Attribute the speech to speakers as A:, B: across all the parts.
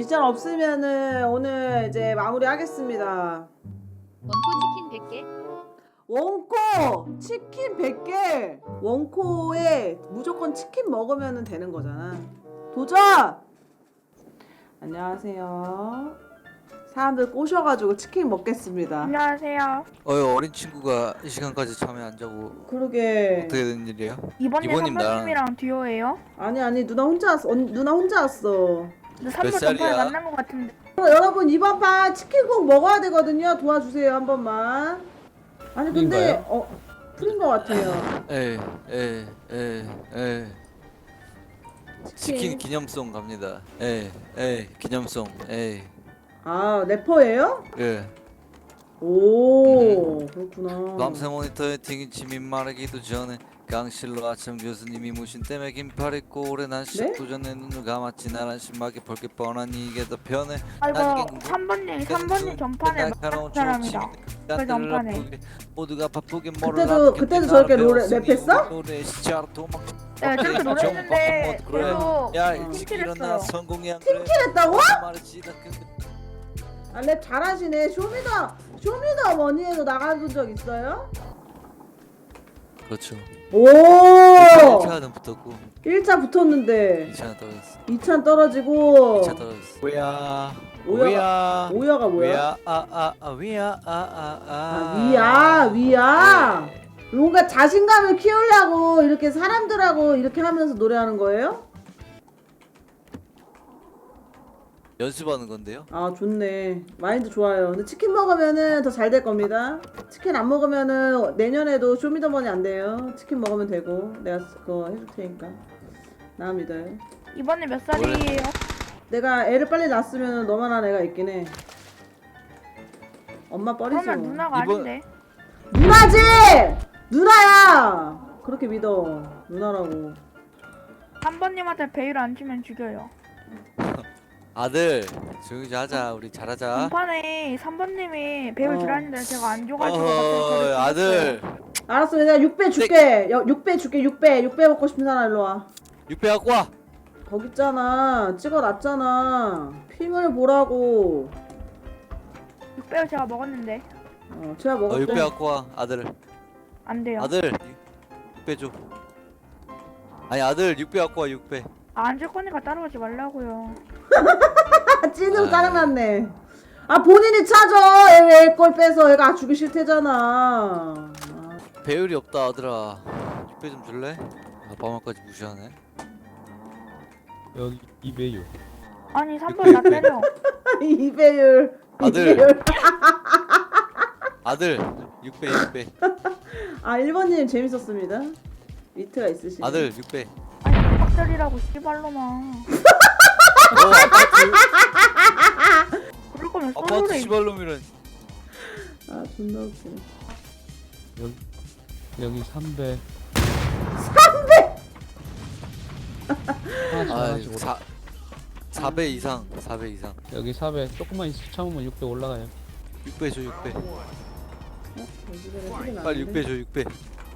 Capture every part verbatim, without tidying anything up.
A: 미션 없으면은 오늘 이제 마무리하겠습니다.
B: 원코 치킨 백 개.
A: 원코 치킨 백 개. 원코에 무조건 치킨 먹으면 되는 거잖아. 도전! 안녕하세요. 사람들 꼬셔가지고 치킨 먹겠습니다.
C: 안녕하세요.
D: 어휴, 어린 친구가 이 시간까지 잠에 안 자고
A: 그러게.
D: 어떻게 된 일이야?
C: 이번님
D: 이번님 나랑-
C: 선배님이랑 듀오예요?
A: 아니 아니 누나 혼자 왔어. 언, 누나 혼자 왔어.
C: 근데 삼 번
D: 살이야?
C: 전판에 만난 것 같은데.
A: 어, 여러분 이번 판 치킨 꼭 먹어야 되거든요. 도와주세요 한 번만. 아니 근데
D: 풀인가요?
A: 어 풀인 것 같아요.
D: 에이 에이 에이 에이 치킨 기념송 갑니다. 에이 에이 기념송 에이
A: 아 래퍼예요?
D: 예.
A: 오 그렇구나.
D: 밤새 모니터에 튀김치민 마르기도 전에 강실로 아침 교수님이 무신 때문에 긴팔 입고 오래 난 시작도 전에 눈을 감았지 나란 심하게 볼게 뻔하니 이게 더 편해.
C: 아이고
D: 나중엔
C: 삼 번님 삼 번님 전판에 만난 사람이다. 그 전판에.
D: 모두가 바쁘게
A: 그때도- 그때도 저렇게 노래- 랩했어?
D: 노래 시작 도망.
C: 네 저렇게 노래했는데
D: 그래.
C: 계속
D: 야
A: 어.
D: 일찍
C: 팀킬
D: 일어나
C: 했어요.
D: 성공이 안 그래.
A: 했다고?
D: 말했지 나 근데
A: 아 랩 잘하시네. 쇼미더 쇼미더머니에도 나가본 적 있어요?
D: 그렇죠.
A: 오
D: 일 차는 붙었고
A: 일 차 붙었는데
D: 이 차는 떨어졌어.
A: 이 차 떨어지고
D: 이 차 떨어졌어. 뭐야?
A: 오야가 오야가 뭐야?
D: 위야 아아아 위야 아아아
A: 아, 위야 위야. 뭔가 자신감을 키우려고 이렇게 사람들하고 이렇게 하면서 노래하는 거예요?
D: 연습하는 건데요.
A: 아 좋네. 마인드 좋아요. 근데 치킨 먹으면은 더 잘 될 겁니다. 치킨 안 먹으면은 내년에도 쇼미더머니 안 돼요. 치킨 먹으면 되고 내가 그거 해줄 테니까 나 믿어요.
C: 이번에 몇 살이에요?
A: 내가 애를 빨리 낳았으면 너만한 애가 있긴 해. 엄마 뻘이지
C: 그러면
A: 뭐.
C: 누나가
D: 이번-
C: 아닌데.
A: 누나지! 누나야! 그렇게 믿어. 누나라고.
C: 삼 번님한테 베일 안 치면 죽여요.
D: 아들 조용히 좀 하자. 우리 잘하자.
C: 전판에 삼 번님이 베일
A: 어.
C: 주라는데 제가 안 줘가지고 갑자기
D: 어허
C: 저를
D: 아들
A: 알았어. 내가 육 배 줄게. 여, 육 배 줄게. 육 배. 육 배 먹고 싶은 사람 일로 와.
D: 육배 갖고 와.
A: 거기 있잖아. 찍어놨잖아. 핑을 보라고.
C: 육 배를 제가 먹었는데
A: 어, 제가
D: 어
A: 먹었대.
D: 육배 갖고 와. 아들
C: 안 돼요.
D: 아들 육배 줘. 아니 아들 육배 갖고 와. 육배.
C: 아, 안 줄 거니까 따라오지 말라고요.
A: 아, 찐으로
D: 아.
A: 짜증났네. 아 본인이 찾아. 애꼴 빼서 애가 주기 싫대잖아. 아,
D: 배율이 없다 아들아. 육배 좀 줄래? 아빠 말까지 무시하네.
E: 여기 이배유.
C: 아니 삼 번 나 때려.
A: 이배율.
D: 아들.
A: 이배율.
D: 아들 육배 육배.
A: 아 일 번님 재밌었습니다. 위트가 있으시네.
D: 아들 육배.
C: 아니 박살이라고 씨발로만.
D: 어
C: 그럴 거면
D: 아파트
C: 솔로레.
D: 시발놈이란.
A: 아 존나 웃기네.
E: 여기 여기 삼배. 하나씩
D: 아
E: 하나씩 올라.
D: 사 사 배 이상 사 배 이상.
E: 여기 사배 조금만 있어 참으면 육배 올라가요.
D: 육배 줘 육배.
A: 어? 돼지배를 소리
D: 빨리 육배 줘 육배.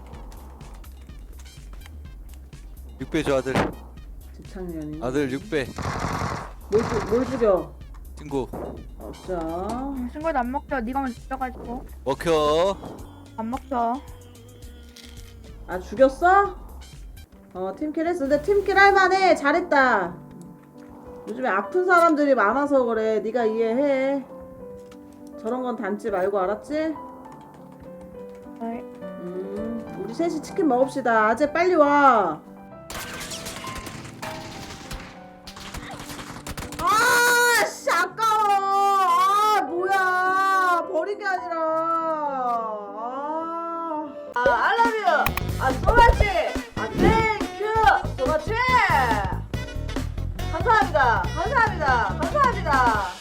D: 육배 줘 아들.
A: 집착년이.
D: 아들 육배.
A: 뭘, 죽- 뭘 죽여?
D: 친구
A: 없자.
C: 친구도 안 먹죠. 네가 먼저 죽여가지고
D: 먹혀.
C: 안 먹죠.
A: 아 죽였어? 어 팀킬 했어. 근데 팀킬 할만해. 잘했다. 요즘에 아픈 사람들이 많아서 그래. 네가 이해해. 저런 건 담지 말고 알았지?
C: 네.
A: 음 우리 셋이 치킨 먹읍시다. 아재 빨리 와. 아씨 아까워. 아 뭐야 버린 게 아니라. 아, 아 I love you. 아 so much. 아 thank you so much. 감사합니다. 감사합니다. 감사합니다.